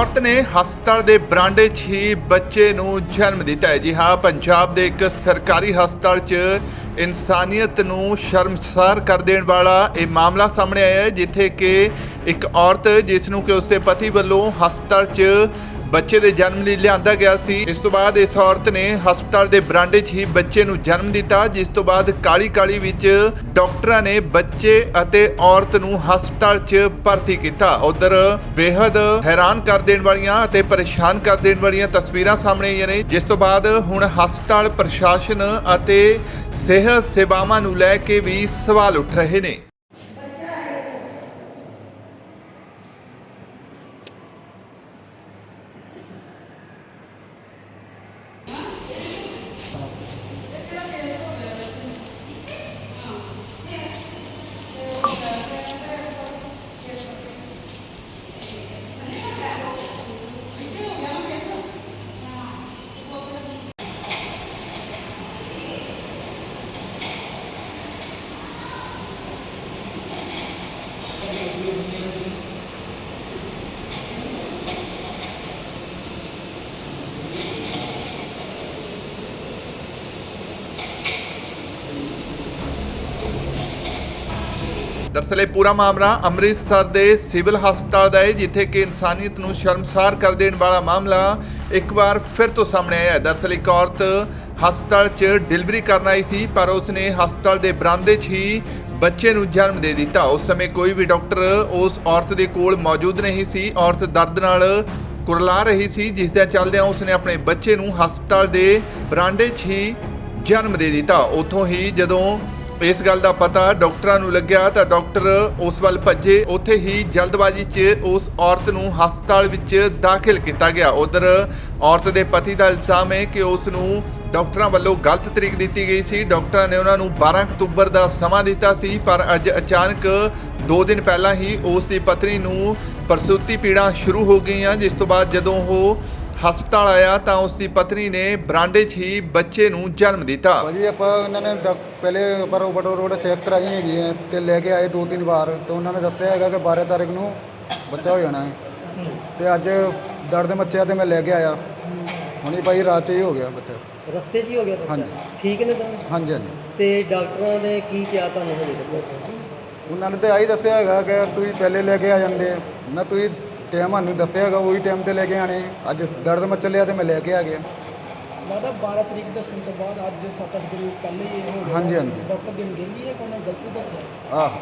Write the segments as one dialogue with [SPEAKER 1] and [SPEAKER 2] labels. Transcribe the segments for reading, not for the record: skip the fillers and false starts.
[SPEAKER 1] औरत ने हस्पताल के बरांडे 'ਚ ही बच्चे नूं जन्म दिता है। जी हाँ, पंजाब के एक सरकारी हस्पताल 'ਚ इंसानियत नूं शर्मसार कर देने वाला ये मामला सामने आया है, जिथे कि एक औरत जिसनूं कि उसके पति वालों हस्पताल 'ਚ बच्चे के जन्म लिए लिया गया सी। इस तो बाद इस औरत ने हस्पताल के बरांडे 'ਚ ही बच्चे नूं जन्म दिता, जिस तो बाद काली काली विच डॉक्टरां ने बच्चे अते औरत नूं हस्पताल 'ਚ भर्ती किया। उधर बेहद हैरान कर देने वालियां अते परेशान कर देने वालियां तस्वीरां सामने आईयां ने, जिस तो बाद हुण हस्पताल प्रशासन अते सेहत सेवावां नूं लै के भी सवाल उठ रहे ने। दरअसल ये पूरा मामला अमृतसर के सिविल हस्पताल का है, जिथे कि इंसानियत नूं शर्मसार कर देने वाला मामला एक बार फिर तो सामने आया है। दरअसल एक औरत हस्पताल 'ਚ डिलीवरी करन आई सी, पर उसने हस्पताल के बरामदे 'ਚ ही बच्चे नूं जन्म दे दिता। उस समय कोई भी डॉक्टर उस औरत के कोल मौजूद नहीं सी। औरत दर्द नाल कुरला रही सी, जिस दे चलदिआं उसने अपने बच्चे नूं हस्पताल के बरांडे 'ਚ ही जन्म दे दिता। उत्थों ही जदों इस गल का पता डॉक्टरां नूं लग्या तो डॉक्टर उस वल भज्जे। उत्थे ही जल्दबाजी 'ਚ उस औरत नूं हस्पताल विच दाखिल किया गया। उधर औरत के पति का इल्जाम है कि उस नूं डॉक्टरां वल्लों गलत तरीक दी गई सी। डॉक्टरां ने उन्हां नूं 12 अक्तूबर का समा दिता सी, पर अज अचानक 2 दिन पहला ही उसकी पत्नी नूं प्रसूति पीड़ा शुरू हो गई, जिस तो बाद जदों वो हस्पताल आया तो उसकी पत्नी ने बरांडे 'ਚ ही बच्चे नूं जन्म दिता।
[SPEAKER 2] भाजी आप उन्होंने पहले रोबोट रोड चेक कराई हैगी है तो लेके आए 2-3 बार, तो उन्होंने दस्सिया है कि 12 तारीख नूं बच्चा हो जाना है। तो अज दर्द मच्चिया तो मैं लेके आया, हुण भाई रात 'ਚ ही हो गया बच्चा,
[SPEAKER 3] रस्ते 'ਚ ही हो गया।
[SPEAKER 2] हाँ जी
[SPEAKER 3] ठीक ने दोनों?
[SPEAKER 2] हाँ जी हाँ जी।
[SPEAKER 3] ਤੇ ਡਾਕਟਰਾਂ ਨੇ ਕੀ ਕਿਹਾ ਤੁਹਾਨੂੰ ਹਜੇ ਤੱਕ?
[SPEAKER 2] उन्होंने तो यही दस्सिया है कि तुम पहले लेके आ जाते, मैं तुम टाइम सानू दस्सिया है वही टाइम से लेके आने। अज दर्द मच लिया तो मैं लेके आ गया।
[SPEAKER 3] मतलब 12 तरीक दस्सण ਤੋਂ ਬਾਅਦ ਅੱਜ 7-8 ਦਿਨ ਪਹਿਲੇ ਹੀ ਹੋ ਗਿਆ।
[SPEAKER 2] हाँ जी हाँ जी
[SPEAKER 3] ਡਾਕਟਰ ਦੀ ਅਣਗਹਿਲੀ ਹੈ, ਕੋਈ ਗਲਤੀ ਦੱਸਿਆ?
[SPEAKER 2] आह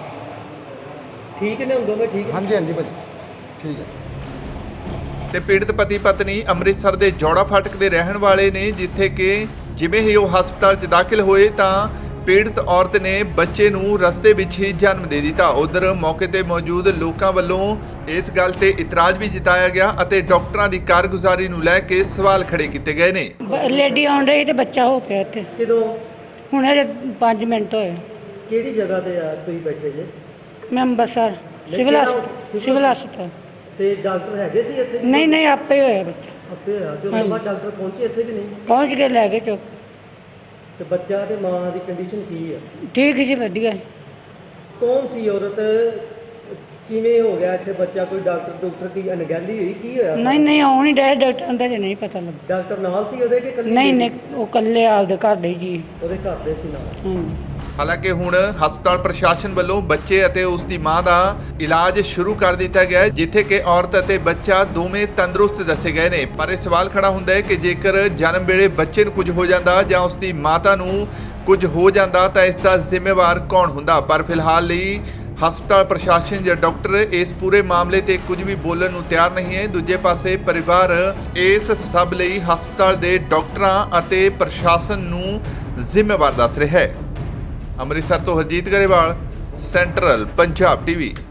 [SPEAKER 3] ਠੀਕ ਨੇ ਹੁੰਦੋਂ ਮੈਂ ਠੀਕ
[SPEAKER 2] हाँ जी हाँ जी भाजी ठीक है।
[SPEAKER 1] ਤੇ ਪੀੜਤ ਪਤੀ ਪਤਨੀ ਅੰਮ੍ਰਿਤਸਰ ਦੇ ਜੋੜਾ ਫਾਟਕ ਦੇ ਰਹਿਣ ਵਾਲੇ ਨੇ, ਜਿੱਥੇ ਕਿ ਜਿਵੇਂ ਹੀ ਉਹ ਹਸਪਤਾਲ 'ਚ ਦਾਖਲ ਹੋਏ ਤਾਂ ਪੀੜਤ ਔਰਤ ਨੇ ਬੱਚੇ ਨੂੰ ਰਸਤੇ ਵਿੱਚ ਹੀ ਜਨਮ ਦੇ ਦਿੱਤਾ। ਉਧਰ ਮੌਕੇ ਤੇ ਮੌਜੂਦ ਲੋਕਾਂ ਵੱਲੋਂ ਇਸ ਗੱਲ ਤੇ ਇਤਰਾਜ਼ ਵੀ ਜਤਾਇਆ ਗਿਆ ਅਤੇ ਡਾਕਟਰਾਂ ਦੀ ਕਾਰਗੁਜ਼ਾਰੀ ਨੂੰ ਲੈ ਕੇ ਸਵਾਲ ਖੜੇ ਕੀਤੇ ਗਏ ਨੇ।
[SPEAKER 4] ਲੇਡੀ ਆਉਣ ਰਹੀ ਤੇ ਬੱਚਾ ਹੋ ਪਿਆ ਇੱਥੇ,
[SPEAKER 3] ਕਿਦੋਂ?
[SPEAKER 4] ਹੁਣ ਅਜੇ 5 ਮਿੰਟ ਹੋਏ।
[SPEAKER 3] ਕਿਹੜੀ ਜਗ੍ਹਾ ਤੇ ਆ ਤੁਸੀਂ ਬੈਠੇ ਜੇ?
[SPEAKER 4] ਮੈਂ ਅੰਬਰਸਰ ਸਿਵਲ ਹਸਪਤਾਲ।
[SPEAKER 3] ਤੇ ਡਾਕਟਰ ਹੈਗੇ ਸੀ ਇੱਥੇ?
[SPEAKER 4] ਨਹੀਂ ਆਪੇ ਹੋਇਆ ਬੱਚਾ,
[SPEAKER 3] ਆਪੇ ਹੋਇਆ। ਤੇ ਉਸ ਤੋਂ ਬਾਅਦ ਡਾਕਟਰ ਪਹੁੰਚੇ ਇੱਥੇ ਕਿ ਨਹੀਂ?
[SPEAKER 4] ਪਹੁੰਚ ਕੇ ਲੈ ਕੇ ਚੁੱਕ।
[SPEAKER 3] ਤੇ ਬੱਚਾ ਤੇ ਮਾਂ ਦੀ ਕੰਡੀਸ਼ਨ ਕੀ ਆ?
[SPEAKER 4] ਠੀਕ ਜੀ, ਵਧੀਆ।
[SPEAKER 3] ਕੌਣ ਸੀ ਔਰਤ? ਕਿਵੇਂ ਹੋ ਗਿਆ ਇੱਥੇ ਬੱਚਾ? ਕੋਈ ਡਾਕਟਰ ਦੀ ਅਣਗਹਿਲੀ ਹੋਈ? ਕੀ ਹੋਇਆ?
[SPEAKER 4] ਨਹੀਂ ਆਉਣ ਹੀ ਡਾਇ ਡਾਕਟਰ ਦਾ ਜੇ ਨਹੀਂ ਪਤਾ ਲੱਗਾ।
[SPEAKER 3] ਡਾਕਟਰ ਨਾਲ ਸੀ ਉਹਦੇ ਕਿ ਇਕੱਲੀ?
[SPEAKER 4] ਨਹੀਂ ਉਹ ਇਕੱਲੇ ਆਪਦੇ ਘਰ ਦੇ ਜੀ।
[SPEAKER 3] ਉਹਦੇ ਘਰ ਦੇ ਸੀ ਨਾਲ?
[SPEAKER 4] ਹਾਂਜੀ।
[SPEAKER 1] ਹਾਲਾਂਕਿ ਹੁਣ ਹਸਪਤਾਲ ਪ੍ਰਸ਼ਾਸਨ ਵੱਲੋਂ ਬੱਚੇ ਅਤੇ ਉਸ ਦੀ ਮਾਂ ਦਾ ਇਲਾਜ ਸ਼ੁਰੂ ਕਰ ਦਿੱਤਾ ਗਿਆ ਹੈ, ਜਿੱਥੇ ਕਿ ਔਰਤ ਅਤੇ ਬੱਚਾ ਦੋਵੇਂ ਤੰਦਰੁਸਤ ਦੱਸੇ ਗਏ ਨੇ। ਪਰ ਇਹ ਸਵਾਲ ਖੜਾ ਹੁੰਦਾ ਹੈ ਕਿ ਜੇਕਰ ਜਨਮ ਵੇਲੇ ਬੱਚੇ ਨੂੰ ਕੁਝ ਹੋ ਜਾਂਦਾ ਜਾਂ ਉਸ ਦੀ ਮਾਤਾ ਨੂੰ ਕੁਝ ਹੋ ਜਾਂਦਾ ਤਾਂ ਇਸ ਦਾ ਜ਼ਿੰਮੇਵਾਰ ਕੌਣ ਹੁੰਦਾ। ਪਰ ਫਿਲਹਾਲ ਲਈ ਹਸਪਤਾਲ ਪ੍ਰਸ਼ਾਸਨ ਜਾਂ ਡਾਕਟਰ ਇਸ ਪੂਰੇ ਮਾਮਲੇ ਤੇ ਕੁਝ ਵੀ ਬੋਲਣ ਨੂੰ ਤਿਆਰ ਨਹੀਂ ਹੈ। ਦੂਜੇ ਪਾਸੇ ਪਰਿਵਾਰ ਇਸ ਸਭ ਲਈ ਹਸਪਤਾਲ ਦੇ ਡਾਕਟਰਾਂ ਅਤੇ ਪ੍ਰਸ਼ਾਸਨ ਨੂੰ ਜ਼ਿੰਮੇਵਾਰ ਦੱਸ ਰਿਹਾ ਹੈ। ਅੰਮ੍ਰਿਤਸਰ ਤੋਂ ਹਰਜੀਤ ਗਰੇਵਾਲ, ਸੈਂਟਰਲ ਪੰਜਾਬ ਟੀਵੀ।